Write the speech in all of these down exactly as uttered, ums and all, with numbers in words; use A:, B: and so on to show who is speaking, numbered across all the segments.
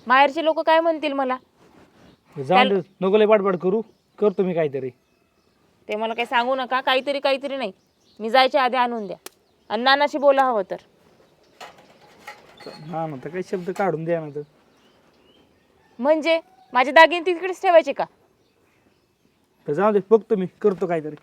A: माहेरचे लोक काय म्हणतील मला?
B: जाऊन दे, नको लय बडबड करू, करतो मी काहीतरी.
A: ते मला काही सांगू नका, काहीतरी काहीतरी नाही. मी जायच्या आधी आणून द्या आणि नानाशी बोला हवं तर.
B: हा ना, तर काही शब्द काढून द्या ना. तर
A: म्हणजे माझे दागिने तिकडेच ठेवायचे का?
B: तर जाऊ दे, बघतो मी, करतो काहीतरी.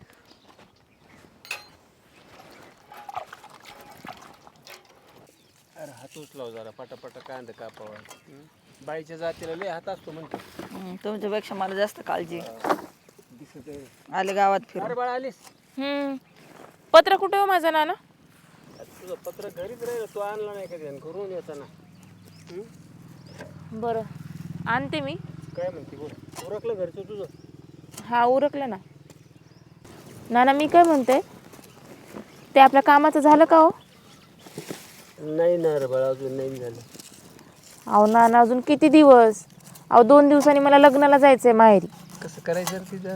C: अरे हात उचलाव जरा, पटापटा कांदा कापावा. बाईच्या जातीला लय हात असतो म्हणतो.
D: तुमच्यापेक्षा मला जास्त काळजी आहे.
C: दिसत आहे.
D: आले गावात फिरून.
C: अरे बाळा आलीस?
A: हम्म पत्र कुठे हो माझा नाना?
C: तुझं पत्र घरीच राहिलं, तू आणला नाही कधी करून येताना.
A: बरं आणते मी.
C: काय म्हणते बोल, उरकलं घरचं तुझं?
A: हा उरकलं ना. नाना मी काय म्हणते, ते आपल्या कामाचं झालं का हो?
C: नाही ना रे बाळा, अजून नाही झालं.
A: अहो नाना अजून किती दिवस? अहो दोन दिवसांनी मला लग्नाला जायचंय माहेरी.
C: कसं करायचं रे तिथं?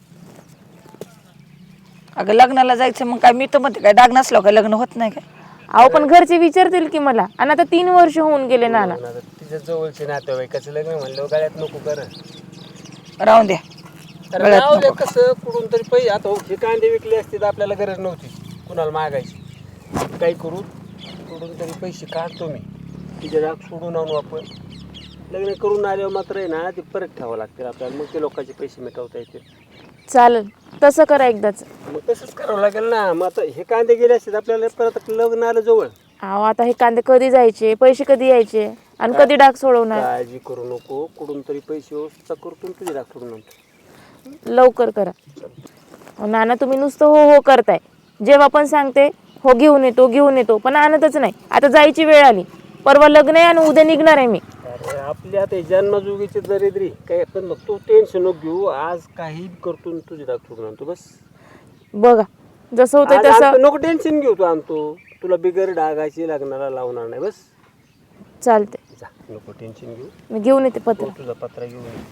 D: अगं लग्नाला जायचं मग काय, मी तर म्हणते काय डाग नसलो काय लग्न होत नाही काय?
A: अहो पण घरचे विचारतील की मला, आणि आता तीन वर्ष होऊन गेले नाना.
C: तिच्या जवळचे नातेवाईकाचं लग्न म्हणलं गळ्यात नको कर.
D: राहून द्या.
C: अरे राहू दे, कसं कुठून तरी पैसे, आता हो हे कांदे विकले असते तर आपल्याला गरज नव्हती कुणाला मागायची. काही करू, कुठून तरी पैसे काढतो मी, तिचे राग सोडून आणू आपण. लग्न करून आल्यावर मात्र आहे ना, ते परत ठेवावं लागतील आपल्याला, मग ते लोकांचे पैसे मिटवता येतील.
A: चालेल तसं करा एकदाच.
C: मग तसंच करावं लागेल ना. मग आता हे कांदे गेले असते आपल्याला परत लग्न आलं जवळ.
A: अहो आता हे कांदे कधी जायचे, पैसे कधी यायचे, आणि कधी डाग सोडवणार?
C: काळजी करू नको, कुठून तरी पैसे व्यवस्था करतो, तुझे राग सोडून आणतो.
A: लवकर करा. अहो, नाना तुम्ही नुसतं हो हो करताय. जेव्हा पण सांगते हो घेऊन येतो घेऊन येतो, पण आणतच नाही. आता जायची वेळ आली, परवा लग्न आहे आणि उद्या निघणार आहे मी.
C: अरे आपली आता जन्मजुगीची दरिद्री काय, पण मग तू टेन्शन नको घेऊ. आज काही करतो आणि तुझी राग सोडून आणतो बस.
A: बघा जसं होतंय
C: आज
A: तसं.
C: आणतो, नको टेन्शन घेऊ, तू आणतो. तुला बिगर डागाची लग्नाला लावणार नाही बस.
A: चालते,
C: जा, नको टेन्शन घेऊ.
A: मी घेऊन येते पत्र.
C: हो, तुझा पत्रा घेऊन ये.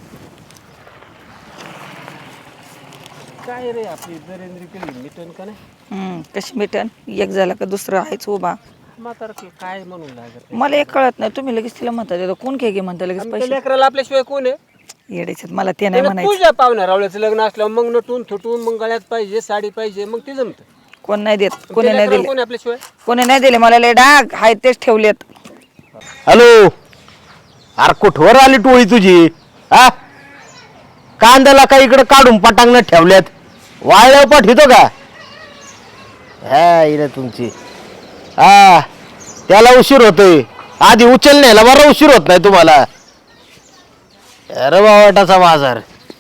C: काय रे आपली दरिद्री केली मिटन का नाही?
D: हम्म, कशी मिटन? एक झाला का दुसरं आहेच उभा.
C: म्हातारा काय म्हणून लागत
D: मला एक कळत नाही, तुम्ही लगेच तिला म्हणता देतो कोण घे घे म्हणता लगेच पैसे.
C: लेकराला आपल्याशिवाय कोण आहे?
D: येडायच्यात मला ते नाही म्हणायचं.
C: तुझ्या पाहुण्या रावळ्याचं लग्न असल्यावर मग नटून थुटून मग गळ्यात पाहिजे, साडी पाहिजे, मग ते जमत.
D: कोण नाही देत, कोणी नाही दिले,
C: कोणी आपल्याशिवाय?
D: कोणी नाही दिले. मला लय डाग हाय तेच ठेवलेत.
E: हॅलो, अरे कुठवर आली टोळी तुझी? हा, कांद्याला का इकडे काढून पटांगण ठेवल्यात, वाळल्यावर पाठवतो का? हा इकडे तुमची, हा त्याला उशीर होतोय, आधी उचल न्यायला बरा उशीर होत नाही तुम्हाला. अरे बावटाचा बाजार.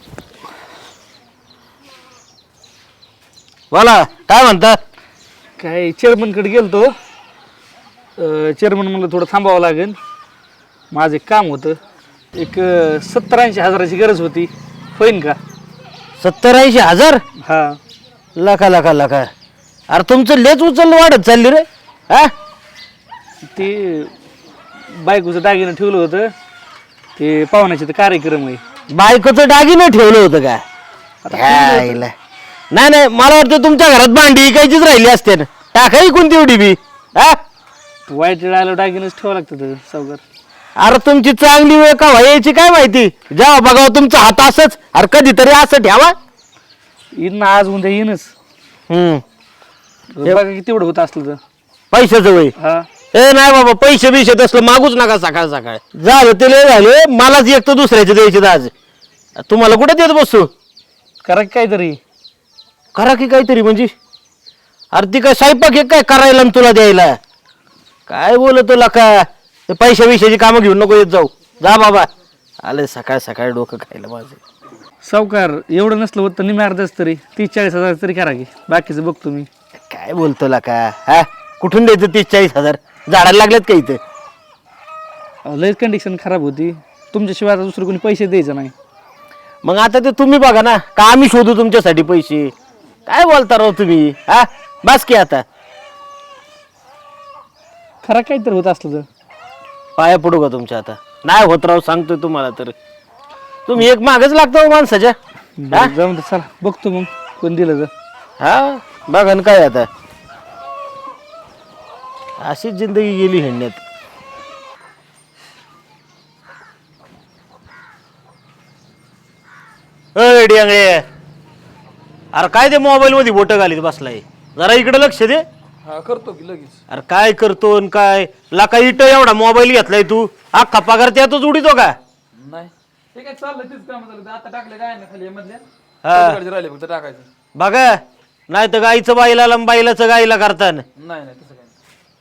E: बोला काय म्हणता?
B: काय चेअरमनकडे गेलतो. चेअरमन म्हणलं थोडं थांबावं लागेल, माझं एक काम होतं. एक सत्तर ऐंशी हजाराची गरज होती, होईन का?
E: सत्तर ऐंशी हजार?
B: हा.
E: लका लका लका, अरे तुमचं लेच उचल वाढत चालली रे. हा,
B: ते बायकोचं दागिनं ठेवलं होतं, ते पाहुण्याचे ते कार्यक्रम आहे.
E: बायकोचं दागिनं ठेवलं होतं का? ह्याला. नाही नाही, मला वाटतं तुमच्या घरात भांडी इकायचीच राहिली असते ना, टाकाई कोणती एवढी बी. हा,
B: वाईट वेळ आलं दागिनच ठेवावं लागतं सावकार.
E: अरे तुमची चांगली वेळ का व्हायची काय माहिती, जेव्हा बघा तुमचा हात असंच, अरे कधीतरी असं ठेवा.
B: येईन ना आज उद्या येईनच.
E: हम्म,
B: बघा किती एवढं होत असलं तर.
E: पैशाचं वय.
B: हा
E: ए नाही बाबा, पैसे बिशे तसलं मागूच नका सकाळ सकाळ. झालं ते लय झाले, मलाच एक तर दुसऱ्याचे द्यायचे आज. तुम्हाला कुठे देत बसतो?
B: करा की काहीतरी.
E: करा की काहीतरी म्हणजे? अरे ती काय स्वयंपाक एक काय करायला आणि तुला द्यायला? काय बोलत तुला का? पैशा विषयाची कामं घेऊन नको येत जाऊ. जा बाबा, आले सकाळ सकाळ डोकं खायला माझं.
B: सावकार एवढं नसलं होत तर निम्या अर्धच तरी तीस चाळीस हजार तरी करा की, बाकीचं बघतो मी.
E: काय बोलतो ला का? हा, कुठून द्यायचं तीस चाळीस हजार? झाडाला लागलेत का इथं?
B: अहो, लयच कंडिशन खराब होती, तुमच्याशिवाय आता दुसरं कोणी पैसे द्यायचं नाही.
E: मग आता ते तुम्ही बघा ना, का आम्ही शोधू तुमच्यासाठी पैसे? काय बोलता राव तुम्ही? हा, बस की आता.
B: खरा काहीतरी होत असलं तर
E: पाया पडू का तुमच्या? आता नाही होत राव, सांगतोय तुम्हाला तर. तुम्ही एक मागच लागतो माणसाच्या.
B: बरं, जाऊन दे, चला बघतो मग कोण दिलं तर.
E: हा बघा ना, काय आता अशीच जिंदगी गेली हिंडण्यात. अय डियांगळे, अरे काय ते मोबाईल मध्ये बोट घालीत बसलाय, जरा इकडे लक्ष दे.
B: हा करतो की लगेच.
E: अरे काय करतो न काय लाका इट एवढा मोबाईल घेतलाय तू, अख्खा पगार त्यातच उडीतो का?
B: नाही ते काय चाललं तेच काम झालं. आता टाकले काय ना खाली मधल्या
E: हा.
B: राहिले फक्त टाकायचं.
E: बघा नाही तर गाईचं बाईला आणि बाईलाचं गाईला करता.
B: नाही नाही तसं काय नाही.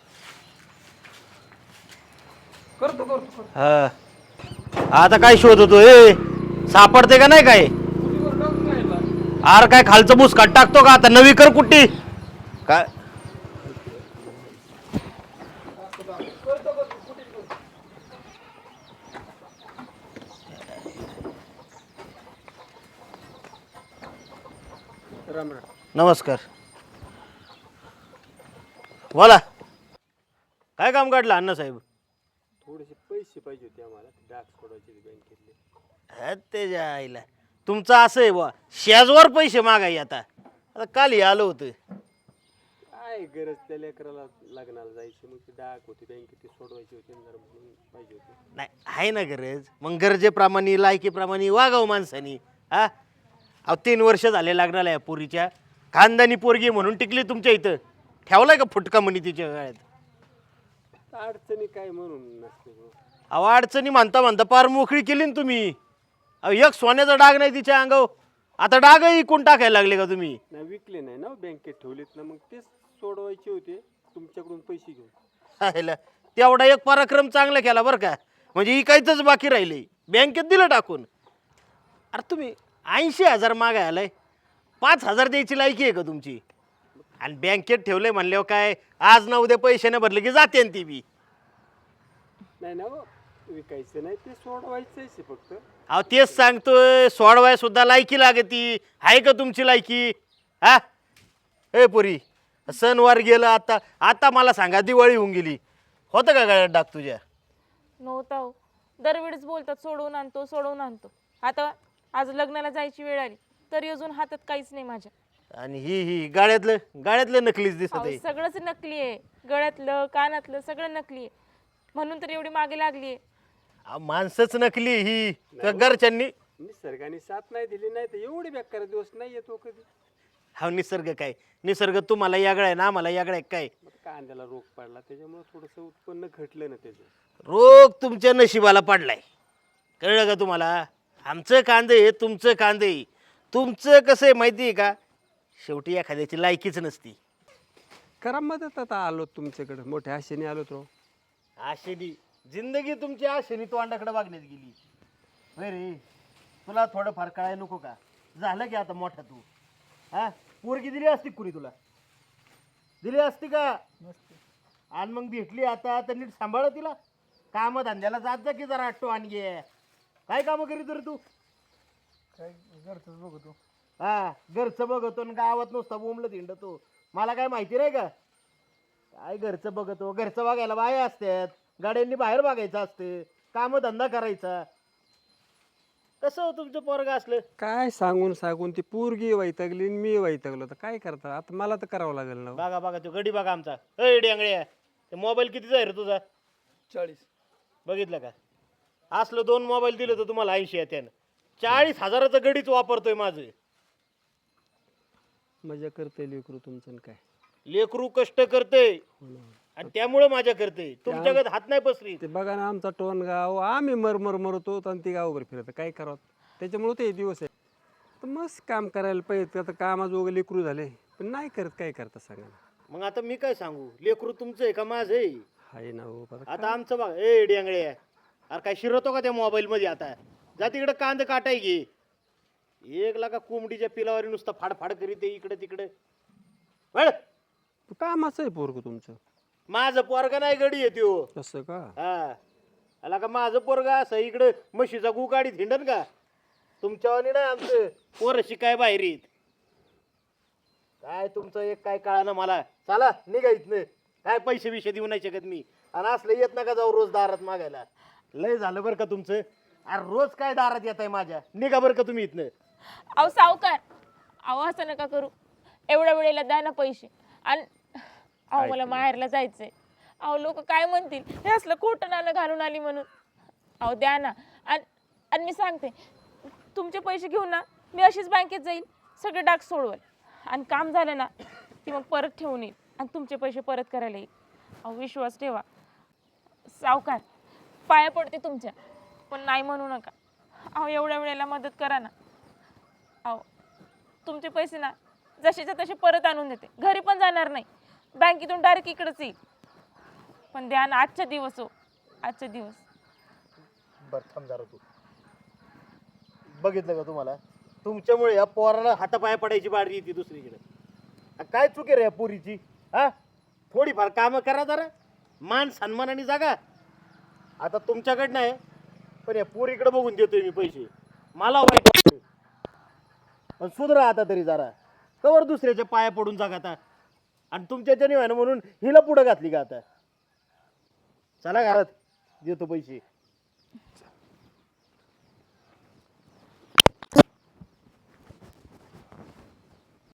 B: करतो करतो करतो.
E: हा आता काय शोध होतो ए, सापडते का नाही काय?
B: कुठीवर टाकून राहिला.
E: अरे काय खालचं बुसकाट टाकतो का आता? नवी कर कुट्टी काय?
C: राम राम.
E: नमस्कार, बोला काय काम काढलं अण्णासाहेब?
C: थोडेसे पैसे पाहिजे होते आम्हाला, डाक सोडवायचे बँकेतले.
E: हा, ते जे आईला तुमचं असं आहे बा, शेजवर पैसे मागाय आता. आता काल हे आलं होतं.
C: काय गरज त्या लेकराला लग्नाला जायची, मग ती डाक होती बँकेत, ती सोडवायची होती जरा म्हणून पाहिजे होती.
E: नाही आहे ना गरज, मग गरजेप्रमाणे लायकीप्रमाणे वागाव माणसानी. हा अहो तीन वर्ष झाले लग्नाला या पोरीच्या, खानदानी पोरगी म्हणून टिकली तुमच्या इथं. ठेवलाय का फुटका म्हणी तिच्या गळ्यात?
C: अडचणी काय म्हणून नसते हो.
E: अहो अडचणी म्हणता म्हणता पार मोकळी केली ना तुम्ही. अहो एक सोन्याचा डाग नाही तिच्या अंगावर, आता डागही इकून टाकायला लागले का तुम्ही?
C: नाही विकले नाही ना बँकेत ठेवलेत ना, मग तेच सोडवायचे होते तुमच्याकडून पैसे घेऊन.
E: हायला, तेवढा एक पराक्रम चांगला केला बरं का, म्हणजे इकायचंच बाकी राहिले, बँकेत दिलं टाकून. अरे तुम्ही ऐंशी हजार मागाय आलाय, पाच हजार द्यायची लायकी आहे का तुमची? आणि बँकेत ठेवलंय म्हणल्यावर काय आज ना उद्या पैसे नाही भरले की जाते ती बी.
C: नाही ना हो, विकायचं नाही, ते सोडवायचंच आहे फक्त.
E: अहो तेच सांगतोय, सोडवाय सुद्धा लायकी लागती. आहे का तुमची लायकी? हा ए पुरी, सणवार गेलं, आता आता मला सांगा दिवाळी होऊन गेली, होतं का गळ्यात डाग तुझ्या?
A: नव्हता हो. दरवेळेस बोलतात सोडवून आणतो सोडवून आणतो. आता आज लग्नाला जायची वेळ आली तरी अजून हातात काहीच नाही माझ्या.
E: आणि ही ही गाड्यातलं गाड्यातलं नकलीच दिसत
A: अहो,
E: आहे.
A: सगळंच नकली आहे, गळ्यातलं कानातलं सगळं नकली आहे, म्हणून तर एवढी मागे लागली आहे.
E: अहो, माणसंच नकली ही त्या घरच्यांनी.
C: निसर्गाने साथ नाही दिली, नाही तर एवढे बेकार दिवस नाही येतो कधी.
E: हा निसर्ग काय, निसर्ग तुम्हाला यागळा आहे ना आम्हाला यागळा आहे काय?
C: मग कांद्याला रोग पडला, त्याच्यामुळे थोडंसं उत्पन्न घटलं ना त्याचं.
E: रोग तुमच्या नशिबाला पडलाय, कळलं का तुम्हाला? आमचं कांदे आहे, तुमचं कांदे आहे. तुमचं कसं आहे माहिती आहे का, शेवटी एखाद्याची लायकीच नसती.
C: करा मदत, आता आलो तुमच्याकडे, मोठ्या आशेने आलो तो.
E: आशेनी जिंदगी तुमची आशेनी तोंडाकडे वागण्यात गेली. होय रे, तुला थोडं फार कळाय नको का? झालं की आता मोठा तू. हा पोरगी दिली असती कुणी तुला? दिली असती का? आणि मग भेटली आता तर नीट सांभाळ तिला. काम धंद्याला जात जा की जरा आटो आणि घे. काय कामं करीत रे तू?
B: काय घरचंच बघतो.
E: हा घरचं बघतो आणि गावात नुसता बोंबलत हिंडतो. मला काय माहिती नाही का? काय घरचं बघतो, घरचं बघायला बाया असतात, गाड्यांनी बाहेर बघायचं असते, काम धंदा करायचा. कसं हो तुमचं पोरग असलं?
C: काय सांगून सांगून ती पोरगी वैतागली आणि मी वैतागलो, तर काय करता आता, मला तर करावं लागेल ना.
E: बघा बघा तो गडी बघा आमचा. अय डेंगळ्या, ते मोबाईल कितीचा आहे रे तुझा?
B: चाळीस.
E: बघितलं का? असलं दोन मोबाईल दिलं तर तुम्हाला ऐंशी येत्यानं. चाळीस हजाराचं गडीच वापरतोय माझं.
C: मजा करते लेकरू तुमचं आणि काय.
E: लेकरू कष्ट करते आणि त्यामुळे माझ्या करते, तुमच्याकडे हात नाही पसरी.
C: ते बघा ना, आमचा टोन गाव, आम्ही मरमर मरतो आणि ती गावभर फिरत, काय करावं त्याच्यामुळे ते दिवस आहे. तर मस्त काम करायला पाहिजे, आता कामाजोग लेकरू झाले पण नाही करत, काय करता सांगा ना.
E: मग आता मी काय सांगू, लेकरू तुमचं आहे का माझं आहे?
C: हाय ना हो, आता
E: आता आमचं बघा. ए डेंगळे, अरे काय शिरवतो का त्या मोबाईल मध्ये? आता जा तिकडे कांद काटाय घे. एक लाखा कोंबडीच्या पिलावारी नुसतं फाडफाड करीत इकडे तिकडे. वळ.
C: कामाचं आहे पोरग तुमचं.
E: माझं पोरगा नाही गडी येतो.
C: तसं का?
E: हा आला का माझं पोरगा असं इकडे म्हशीचा गु गाडीत हिंडन का? तुमच्यावानी नाही आमचं पोरं शिकाय बाहेर येत. काय तुमचं एक काय कळा ना मला. चला निघा इथनं, काय पैसे बिशे देऊ नाही शकत मी. आणि असलं येत नका जाऊ रोज दारात मागायला. लय झालं बरं का तुमचं. अरे रोज काय दारात येत आहे माझ्या. निघा बरं का तुम्ही इथनं.
A: अहो सावकार, अहो असं नका करू, एवढ्या वेळेला द्या ना पैसे. आणि अहो मला माहेरला जायचंय. अहो लोक काय म्हणतील, हे असलं खोटं नाणं घालून आली म्हणून. अहो द्या ना. आणि आणि मी सांगते, तुमचे पैसे घेऊन ना मी अशीच बँकेत जाईल, सगळे डाग सोडवेल आणि काम झालं ना की मग परत ठेवून येईल आणि तुमचे पैसे परत करायला येईल. अहो विश्वास ठेवा. सावकार पाया पडते तुमच्या, पण नाही म्हणू नका. अहो एवढ्या वेळेला मदत करा ना. अहो तुमचे पैसे ना जसेच्या तसे परत आणून देते, घरी पण जाणार नाही, बँकेतून डायरेक्ट इकडेच येईल. पण द्या ना, आजचा दिवस हो, आजचा दिवस.
F: बरं थांब जरा तू. बघितलं का तुम्हाला, तुमच्यामुळे या पोराला हातापाया पडायची बारी येते दुसरीकडे. आ, काय चुकी रे या पोरीची? हा, थोडीफार कामं करा जरा, मान सन्मानाने जागा. आता तुमच्याकडनं आहे, पण या पोरीकडे बघून देतोय मी पैसे. मला वाईट वाटतंय. पण सुधरा आता तरी जरा. कवर दुसऱ्याच्या पाया पडून जागा आता. आणि तुमच्याच्या निवानं म्हणून हिला पुढं घातली का आता? चला घरात, देतो पैसे.